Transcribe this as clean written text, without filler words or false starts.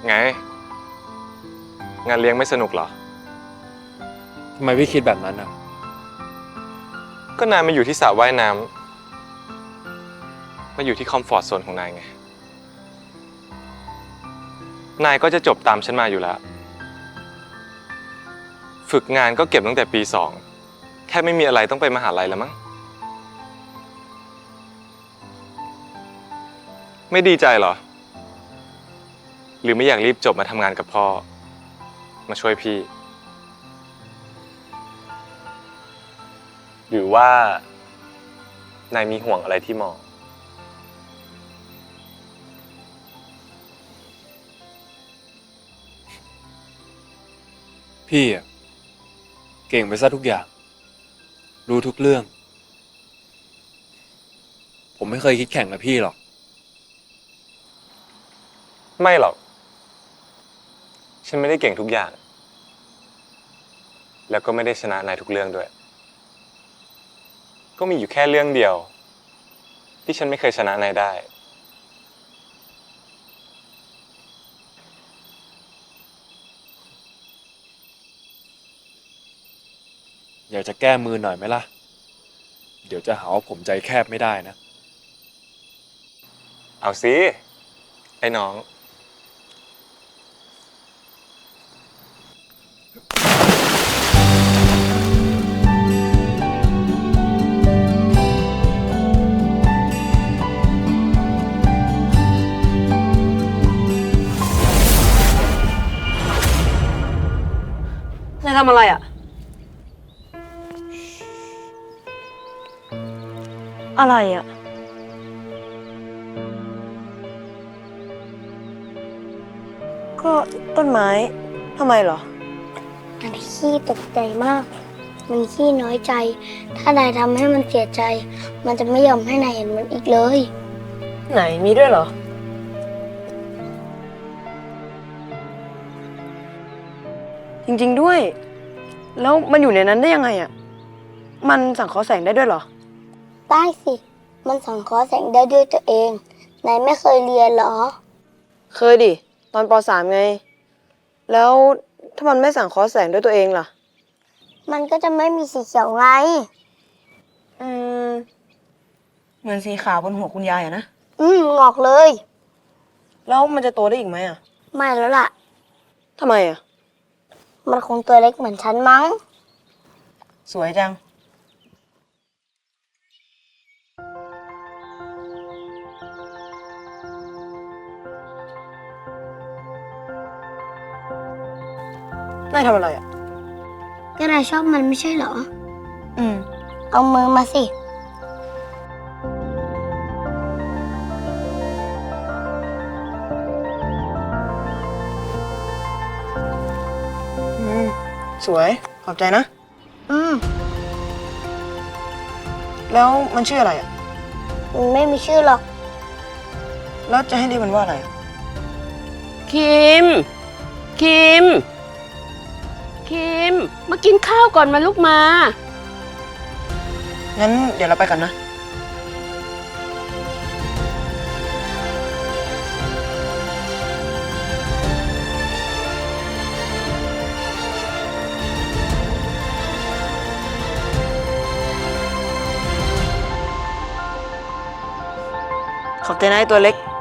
ไงงานเลี้ยงไม่สนุกเหรอทำไมพี่คิดแบบนั้นอ่ะก็นายมาอยู่ที่สระว่ายน้ำมาอยู่ที่คอมฟอร์ตโซนของนายไงนายก็จะจบตามฉันมาอยู่แล้วฝึกงานก็เก็บตั้งแต่ปี 2แค่ไม่มีอะไรต้องไปมหาลัยแล้วมั้งไม่ดีใจเหรอหรือไม่อยากรีบจบมาทำงานกับพ่อมาช่วยพี่หรือว่านายมีห่วงอะไรที่มอพี่อ่ะเก่งไปซะทุกอย่างรู้ทุกเรื่อง ผมไม่เคยคิดแข่งกับพี่หรอกไม่หรอกฉันไม่ได้เก่งทุกอย่างแล้วก็ไม่ได้ชนะนายทุกเรื่องด้วยก็มีอยู่แค่เรื่องเดียวที่ฉันไม่เคยชนะนายได้อยากจะแก้มือหน่อยไหมล่ะเดี๋ยวจะหาว่าผมใจแคบไม่ได้นะเอาสิไอ้น้องนายทำอะไรอ่ะ อะไรอ่ะ ก็ต้นไม้ ทำไมเหรอมันขี้ตกใจมาก มันขี้น้อยใจ ถ้านายทำให้มันเสียใจ มันจะไม่ยอมให้นายเห็นมันอีกเลยไหนมีด้วยเหรอ จริงๆด้วย แล้วมันอยู่ในนั้นได้ยังไงอ่ะ มันสังเคราะห์แสงได้ด้วยเหรอได้สิ มันสังเคราะห์แสงได้ด้วยตัวเอง นายไม่เคยเรียนเหรอเคยดิ ตอนป .3 ไง แล้วถ้ามันไม่สังเคราะห์แสงด้วยตัวเองล่ะมันก็จะไม่มีสีเขียวไงอืม เหมือนสีขาวบนหัวคุณยายอะนะงอกเลยแล้วมันจะโตได้อีกไหมอ่ะไม่แล้วล่ะทำไมอ่ะมันคงตัวเล็กเหมือนฉันมั้งสวยจัง นายทำอะไรอ่ะก็นายชอบมันไม่ใช่เหรออืมเอามือมาสิสวย ขอบใจนะอืมแล้วมันชื่ออะไรอ่ะมันไม่มีชื่อหรอกแล้วจะให้เรียกมันว่าอะไรอะคิม คิม คิม มากินข้าวก่อนมาลูกมางั้นเดี๋ยวเราไปกันนะ ขอบใจนะไอ้ตัวเล็ก